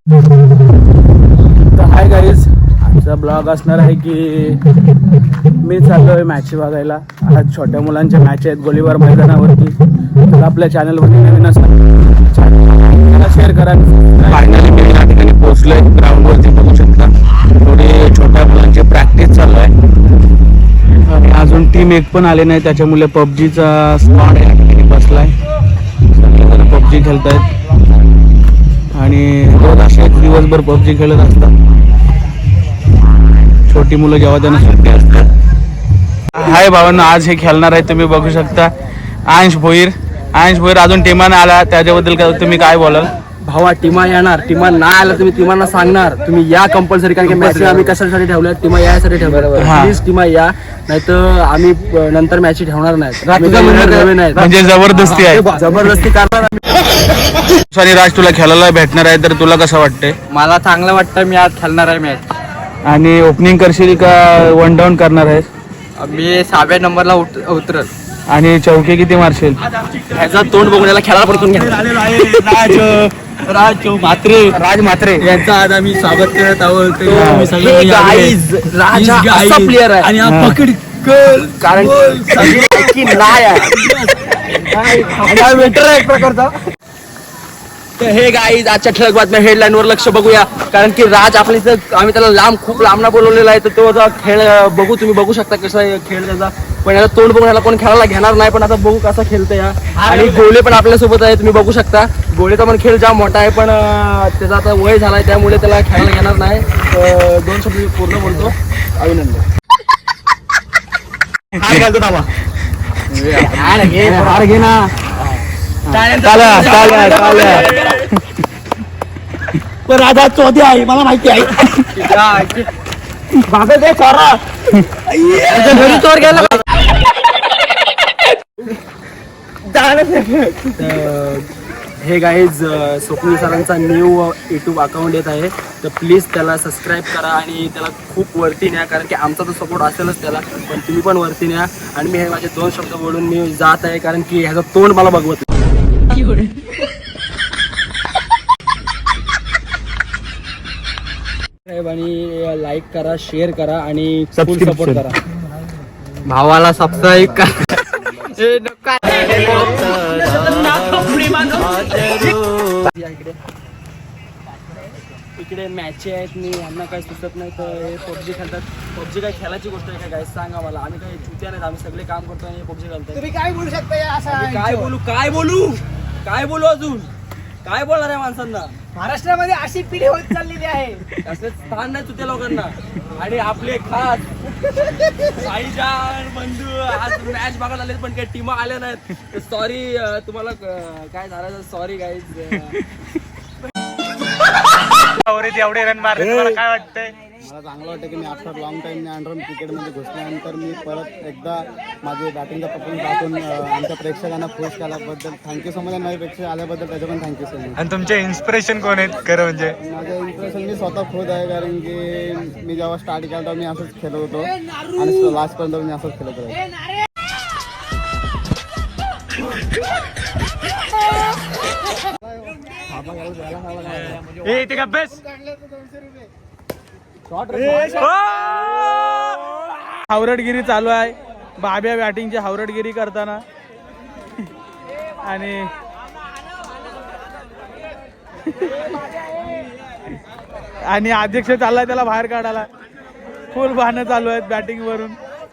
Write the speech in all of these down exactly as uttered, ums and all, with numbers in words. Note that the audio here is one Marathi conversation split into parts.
तर हाय गाईज, आजचा ब्लॉग असणार आहे की मी चाललो आहे मॅच बघायला. आज छोट्या मुलांच्या मॅच आहेत गोलीबार मैदानावरती. तर आपल्या चॅनलवरती नवीन असणार शेअर करा. फायनली मी या ठिकाणी पोहोचलो आहे ग्राउंडवरती, बघू शकता. थोडी छोट्या मुलांची प्रॅक्टिस चालू आहे आणि अजून टीम एक पण आले नाही, त्याच्यामुळे पबजीचा स्क्वॉड या ठिकाणी बसला आहे. सगळेजण पबजी खेळत आहेत आणि रोज असे दिवसभर पबजी खेळत असतात. छोटी मुलं जेव्हा त्यांना सुट्टी असतात. हाय भावांनो, आज हे खेळणार आहे तुम्ही बघू शकता. अंश भोईर अंश भोईर अजून टीमाने आला, त्याच्याबद्दल का तुम्ही काय बोलाल? भावा टीमा येणार, टीमा नाही आला तुम्ही टीमांना सांगणार तुम्ही या कंपल्सरी, कारण की मॅच आम्ही कशासाठी ठेवल्या, टीमा यासाठी ठेवल्या. प्लीज टीमा या, नाही तर आम्ही नंतर मॅच ठेवणार नाही. म्हणजे जबरदस्ती आहे, जबरदस्ती करणार. सॉरी राज, तुला खेळायला भेटणार आहे तर तुला कसं वाटतंय? मला चांगलं वाटतं, मी आज खेळणार आहे मॅच. आणि ओपनिंग करशील का वन डाऊन करणार आहेस? मी सहाव्या नंबरला उतरल. आणि चौके किती मारशील? ह्याचा तोंड बघण्याला खेळायला पडतून घ्या. राज राज मात्रे राज मात्रे यांचा आज आम्ही स्वागत करत आहोत. राज असा प्लेअर आहे आणि हा पकड कारण की नाही आहे वेटर आहे एक प्रकारचा. तर हे गाईज आजच्या ठळक बातम्या हेडलाईन वर लक्ष बघूया, कारण की राज आपल्या इथं आम्ही त्याला लांब खूप लांबना बोलवलेला आहे. तर तो आता खेळ बघू, तुम्ही बघू शकता कसा आहे खेळ त्याचा. पण याला तोंड बघून याला कोण खेळायला घेणार नाही, पण आता बघू कसा खेळतो या. आणि गोळे पण आपल्यासोबत आहे, तुम्ही बघू शकता. गोळेचा पण खेळ जाम मोठा आहे, पण त्याचा आता वय झालाय त्यामुळे त्याला खेळायला घेणार नाही. दोन शब्द पूर्ण बोलतो. अभिनंदन. हार घे ना. पण राजा चौधरी आहे, मला माहिती आहे. चोर गेला. हे गाईज स्वप्नील सरांचा न्यू यूट्यूब अकाउंट येत आहे, तर प्लीज त्याला सबस्क्राईब करा आणि त्याला खूप वरती न्या, कारण की आमचा तर सपोर्ट असेलच त्याला, पण तुम्ही पण वरती न्या. आणि मी हे माझे दोन शब्द बोलून मी जात आहे, कारण की ह्याचं तोंड मला बघवत. आणि लाईक करा, शेअर करा आणि फुल सपोर्ट करा. भावाला सबस्क्राईब करा. इकडे मॅच आहेत, मी यांना काही सुचत नाही तर हे पबजी खेळतात. पबजी काय खेळायची गोष्ट आहे का गाईस? सांगा मला. आम्ही काही चुत्या नाहीत, आम्ही सगळे काम करतो आणि पबजी खेळतो. तुम्ही काय बोलू शकता? काय बोलू काय बोलू काय बोलू अजून काय बोलणार आहे माणसांना? महाराष्ट्रामध्ये अशी पिढी होत चाललेली आहे, असं स्थान नाही चुत्या लोकांना. आणि आपले खास साईजान बंधू आज मॅच बघायला आले, पण काही टीमा आल्या नाहीत. सॉरी तुम्हाला काय झालं, सॉरी गाईज. एवढे रन मारले, तुम्हाला काय वाटतंय? मला चांगलं वाटतं की मी आफ्टर लॉंग टाईम मी अंडर क्रिकेटमध्ये घुसल्यानंतर मी परत एकदा माझे बॅटिंगचा परफॉर्मन्स दाखवून आमच्या प्रेक्षकांना खुश केल्याबद्दल थँक्यू सो मच. नवे प्रेक्षक आल्याबद्दल त्याचं पण थँक्यू सो मच. आणि तुमचे इन्स्पिरेशन कोण आहेत खरं म्हणजे? माझं इम्प्रेशन मी स्वतः खुद आहे, कारण की मी जेव्हा स्टार्ट केला तेव्हा मी असंच खेळत होतो आणि लास्टपर्यंत मी असंच खेळत होतो. हावरटगिरी चालू आहे, बाब्या बॅटिंगची हावरटगिरी करताना. आणि आणि अध्यक्ष चाललाय त्याला बाहेर काढायला. फुल बहाणं चालू आहेत बॅटिंग वरून.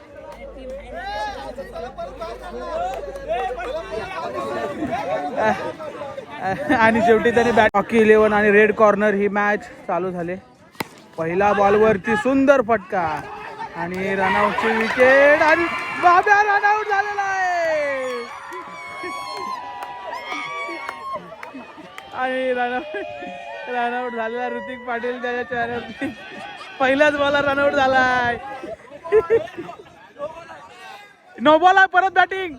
आणि शेवटी त्याने बॅट हॉकी इलेव्हन आणि रेड कॉर्नर ही मॅच चालू झाली. पहिला बॉलवरती सुंदर फटका आणि रनआउटची विकेट आणि बाब्या रनआउट झालेला आहे. आणि रनआउट रनआउट झालेला ऋतिक पाटील त्याच्या चेहऱ्यावरती पहिल्याच बॉलला रनआउट झालाय. नो बॉल आहे, परत बॅटिंग.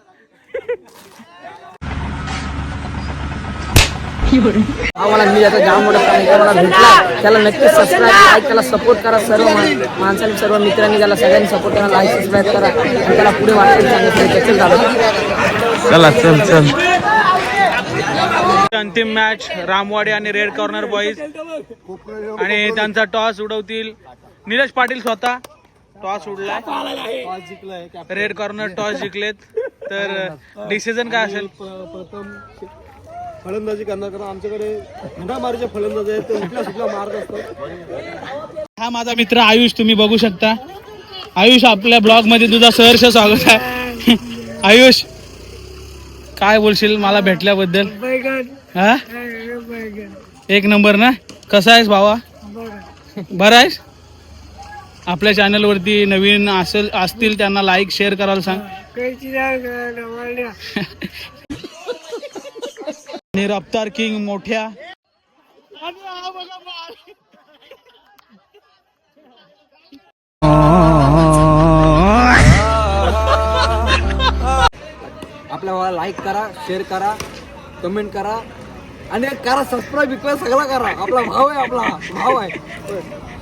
आम्हाला मी आता जाम मोठा मला भेटला, त्याला नक्की सबस्क्राईब लाईक त्याला सपोर्ट करा. सर्व माणसांनी सर्व मित्रांनी त्याला सगळ्यांनी सपोर्ट करा, लाईक सबस्क्राईब करा आणि त्याला पुढे वाटतं सांगितलं. चल चला चल चल अंतिम मॅच रामवाडे आणि रेड कॉर्नर बॉईज आणि त्यांचा टॉस उडवतील नीरज पाटील स्वतः. टॉस उडलाय, रेड कॉर्नर टॉस जिंकलेत. तर डिसिजन काय असेल? प्रथम फलंदाजी करणार, कारण आमच्याकडे घंटा मारीचे फलंदाज आहेत, ते उठल्या सुटल्या मारत असतात. हा माझा मित्र आयुष, तुम्ही बघू शकता. आयुष, आपल्या ब्लॉग मध्ये तुझा सहर्ष स्वागत आहे. आयुष, काय बोलशील मला भेटल्याबद्दल? हा, एक नंबर ना. कसा आहेस भावा? बरा आहेस? आपल्या चॅनल वरती नवीन असेल असतील त्यांना लाईक शेअर करायला सांग. आणि रफ्तार किंग मोठ्या आपल्या लाईक करा, शेअर करा, कमेंट करा आणि करा सबस्क्राईब, सगळं करा. आपला भाव आहे, आपला भाव आहे.